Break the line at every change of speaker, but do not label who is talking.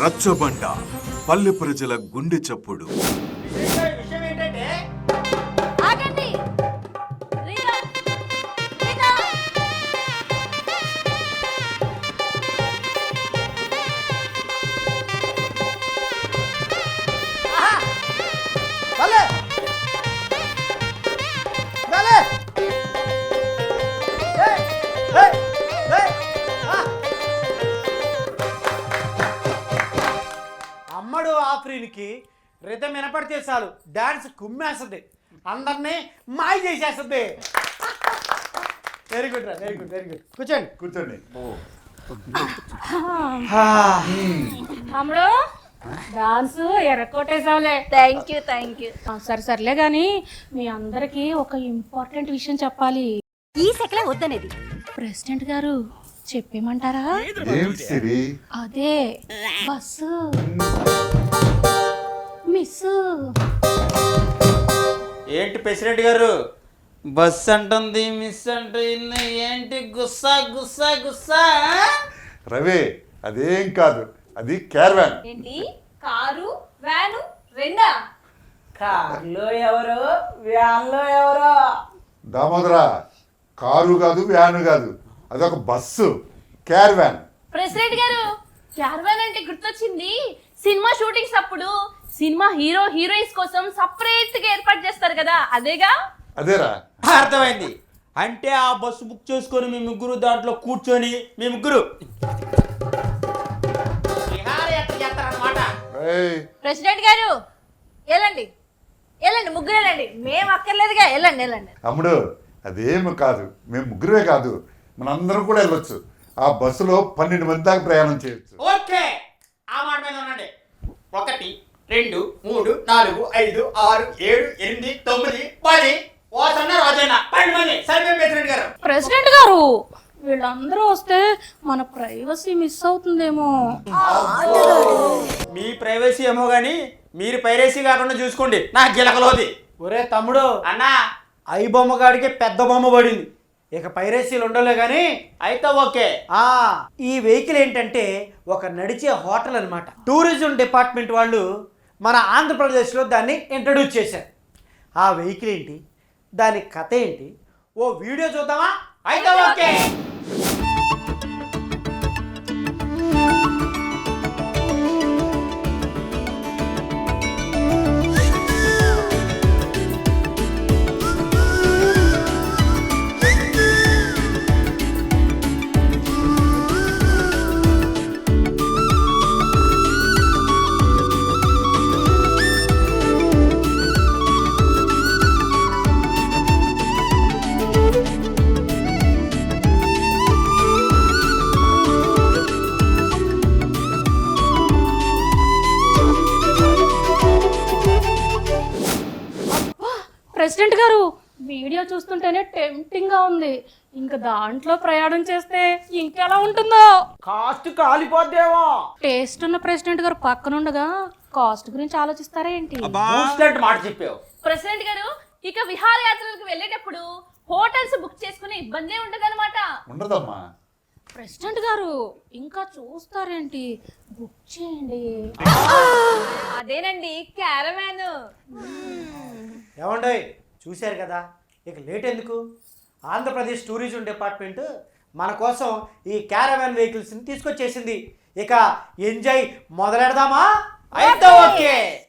రచ్చబండ పల్లె ప్రజల గుండె చప్పుడు.
విషయం ఏంటంటే
ఆగండి రీనా రీనా
భలే భలే ఏయ్ ఏయ్ ఏయ్ అమ్మడు ఆఫ్రీన్కి రితం వినపడితే చాలు డాన్స్ కుమ్మేస్తుంది, అందరినీ మాయ చేసేస్తుంది. వెరీ గుడ్ రా, వెరీ గుడ్, వెరీ గుడ్. కూర్చోండి
కూర్చోండి.
తమ్ముడు డాన్స్ ఎర్రకొట్టేసావులే.
థ్యాంక్ యూ
సరే సర్లే గాని మీ అందరికి ఒక ఇంపార్టెంట్ విషయం చెప్పాలి.
ఈ సెకలే వద్దనేది
ప్రెసిడెంట్ గారు చెప్పేమంటారా?
ఏమిటి సిరి?
అదే బస్సు మిస్.
ఏంటి ప్రెసిడెంట్ గారు బస్ అంటుంది మిస్ అంటుంది, ఏంటి గుస్సా గుస్సా గుస్సా?
రవి, అదేం కాదు, అది క్యారవాన్.
ఏంటి కారు వ్యాను రెండా?
కార్లో ఎవరో వ్యాన్లో ఎవరో.
దామోదరా, కారు కాదు వ్యాను కాదు, అదొక బస్సు, క్యారవాన్.
ప్రెసిడెంట్ గారు క్యారవాన్ అంటే గుర్తొచ్చింది. సినిమా షూటింగ్స్ అప్పుడు సినిమా హీరో హీరోయిన్స్ కోసం సపరేట్ గా ఏర్పాటు చేస్తారు కదా, అదేగా?
అదేరా.
అర్థమైంది. అంటే ఆ బస్సు బుక్ చేసుకొని మీ ముగ్గురు దాంట్లో కూర్చొని మీ ముగ్గురు విహారయాత్ర చేస్తారన్నమాట.
ఏయ్,
ప్రెసిడెంట్ గారు వెళ్ళండి వెళ్ళండి, ముగ్గురు వెళ్ళండి, మేము అక్కర్లేదుగా, వెళ్ళండి వెళ్ళండి.
తమ్ముడు, అదేమి కాదు, మేము ముగ్గురే కాదు, మనందరం కూడా వెళ్ళొచ్చు. ఆ బస్సులో 12 మంది దాకా ప్రయాణం చేయొచ్చు.
ఓకే, ఆ మాట మీద ఉండండి. 1 2 3 4 5 6 7 8 9 10 ఓసన్న రోజైన 10 మంది. సరే ప్రెసిడెంట్ గారు.
ప్రెసిడెంట్ గారు వీళ్ళందరూ వస్తే మన ప్రైవసీ మిస్ అవుతుందేమో.
మీ ప్రైవసీ ఏమో గానీ మీరు పైరసీ కాకుండా చూసుకోండి. నా గిలకలోది. ఒరే తమ్ముడు అన్నా, ఐ బొమ్మ గాడికి పెద్ద బొమ్మ పడింది, ఇక పైరసీలు ఉండలే కానీ అయితే ఓకే. ఈ వెహికల్ ఏంటంటే ఒక నడిచే హోటల్ అన్నమాట. టూరిజం డిపార్ట్మెంట్ వాళ్ళు మన ఆంధ్రప్రదేశ్లో దాన్ని ఇంట్రడ్యూస్ చేశారు. ఆ వెహికల్ ఏంటి, దాని కథ ఏంటి, ఓ వీడియో చూద్దామా? అయితే ఓకే.
ప్రెసిడెంట్ గారు వీడియో చూస్తుంటేనే టెంప్టింగ్ గా ఉంది. ఇంకా దాంట్లో ప్రయాణం చేస్తే ఇంకెలా ఉంటుందో.
కాస్ట్ కాలిపోద్దేమో.
టేస్ట్ ఉన్న ప్రెసిడెంట్ గారు పక్కనుండగా కాస్ట్ గురించి ఆలోచిస్తారా ఏంటి?
మాట చెప్పావు
ప్రెసిడెంట్ గారు ఇక విహారయాత్రలకు వెళ్ళేటప్పుడు హోటల్స్ బుక్ చేసుకునే ఇబ్బందే ఉండదన్నమాట.
ఉండదమ్మా.
ప్రెసిడెంట్ గారు ఇంకా చూస్తారేంటి, బుక్ చేయండి.
అదేనండి క్యారవాన్.
ఏమండోయ్, చూశారు కదా, ఇక లేట్ ఎందుకు? ఆంధ్రప్రదేశ్ టూరిజం డిపార్ట్మెంట్ మన కోసం ఈ క్యారవాన్ వెహికల్స్ని తీసుకొచ్చేసింది. ఇక ఎంజాయ్ మొదలెడదామా? అయితే ఓకే.